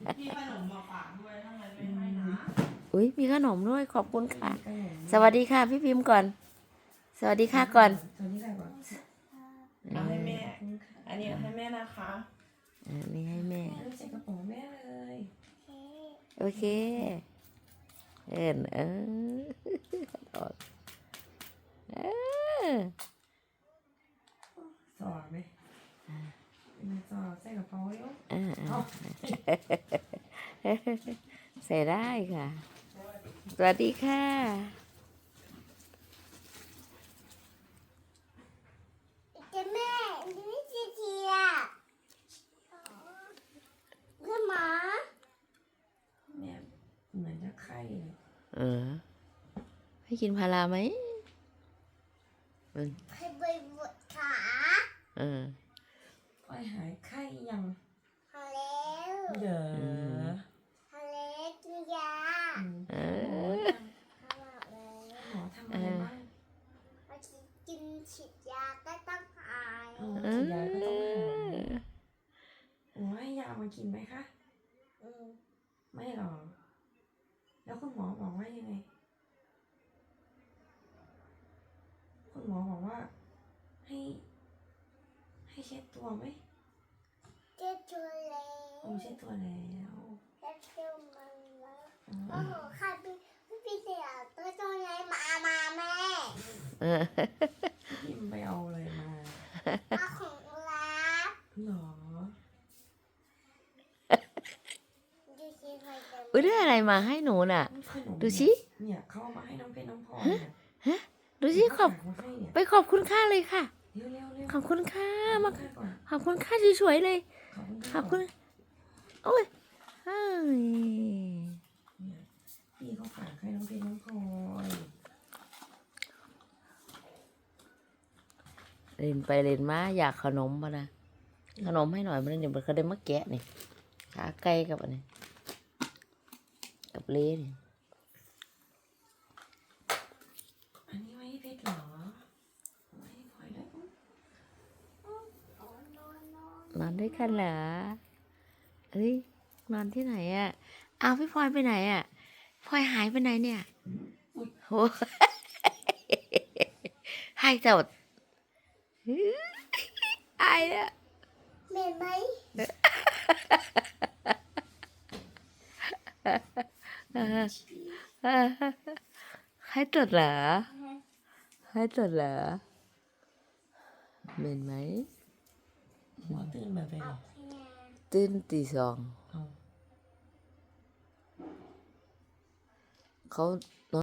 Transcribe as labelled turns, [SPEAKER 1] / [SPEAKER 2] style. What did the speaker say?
[SPEAKER 1] มีขนมมาฝากด้วยทำไมไม่ให้นะ
[SPEAKER 2] อุ้ยมีขนมด้วยขอบคุณค่ะสวัสดีค่ะพี่พิมพ์ก่อนสวัสดีค่ะก่อน
[SPEAKER 3] สวัสดีค่ะก่อน
[SPEAKER 1] เอาให้แม่อันนี้ให้แม่นะคะ
[SPEAKER 2] นี่ให้แม่
[SPEAKER 3] ใส่กระเป๋าแม่เลย
[SPEAKER 2] โอเคเออ
[SPEAKER 3] สอดไหมเป็นสอดใส่กระเป๋าเร็ว
[SPEAKER 2] ใส่ได้ค่ะสวัสดีค่ะ
[SPEAKER 4] แม่นี่จีเทียเพื่อหมา
[SPEAKER 3] แม่เหมือนจะไข้เลย
[SPEAKER 2] ให้กินพาราไหม
[SPEAKER 4] ให้ไปบดขา
[SPEAKER 3] พ่อยหายไข้ยัง
[SPEAKER 4] พอแล้ว
[SPEAKER 3] เด้อ
[SPEAKER 4] พอแล้วกินยา
[SPEAKER 3] หมอ
[SPEAKER 4] พอแล้ว
[SPEAKER 3] หมอทำอะไรบ้าง
[SPEAKER 4] พอกินฉีดยาก็ต้องหาย
[SPEAKER 3] ฉีดยาก็ต้องหายหมอให้ยามากินไหมคะ ไม่หรอกแล้วคุณหมอบอกว่ายังไง คุณหมอบอกว่าให้เช็ดตัวไหม
[SPEAKER 4] เจ็บตัวแล้ว
[SPEAKER 3] เช็ดตัวแล้ว
[SPEAKER 4] เจ็บตัวมันแล้วโอ้โหใครพี่เสียตัวไหนมาแม่
[SPEAKER 3] พิมไปเอาอะไรมา
[SPEAKER 4] เอาของรัก
[SPEAKER 3] หรอ
[SPEAKER 4] ดูสิใครจะ
[SPEAKER 2] อุ้ยได้อะไรมาให้หนูน่ะ
[SPEAKER 3] ขนม
[SPEAKER 2] ดูสิ
[SPEAKER 3] เนี่ยเขาเอามาให้น้องเพชรน้องพลอยเนี่ย
[SPEAKER 2] ดูสิขอบ
[SPEAKER 3] ฝากมาให้เนี่ย
[SPEAKER 2] ไปขอบคุณค่าเลยค่ะ
[SPEAKER 3] เร็วเร็วเร็ว
[SPEAKER 2] ขอบคุณค่ามา
[SPEAKER 3] ขอบคุณก่อน
[SPEAKER 2] ขอบคุณค่าสวยๆเลย
[SPEAKER 3] ขอบคุณ
[SPEAKER 2] ขอบคุณโอ้ยเฮ้ย
[SPEAKER 3] เนี่ยพี่เขาฝากให้น้องเพชรน้องพลอย
[SPEAKER 2] เล่นไปเล่นมาอยากขนมมานะขนมให้หน่อยมันเดี๋ยวมันเขาได้มาแกะนี่ขาไก่กับอันนี้กับเล่นี่
[SPEAKER 3] อันนี้ไว้ให้เพชรเหรอไว้ให้พลอยด้วย
[SPEAKER 2] นอนด้วยกันเหรอเฮ้ยนอนที่ไหนอ่ะอ้าวพี่พลอยไปไหนอ่ะพลอยหายไปไหนเนี่ยโอ้หายจัดอายเนี่ย
[SPEAKER 4] เหม็นไหม
[SPEAKER 2] ให้ตรวจเหรอให้ตรวจเหรอเหม็นไหม
[SPEAKER 3] หมอตื่นแบบไหน
[SPEAKER 2] ตื่นตีสอง
[SPEAKER 3] เอา
[SPEAKER 2] เขา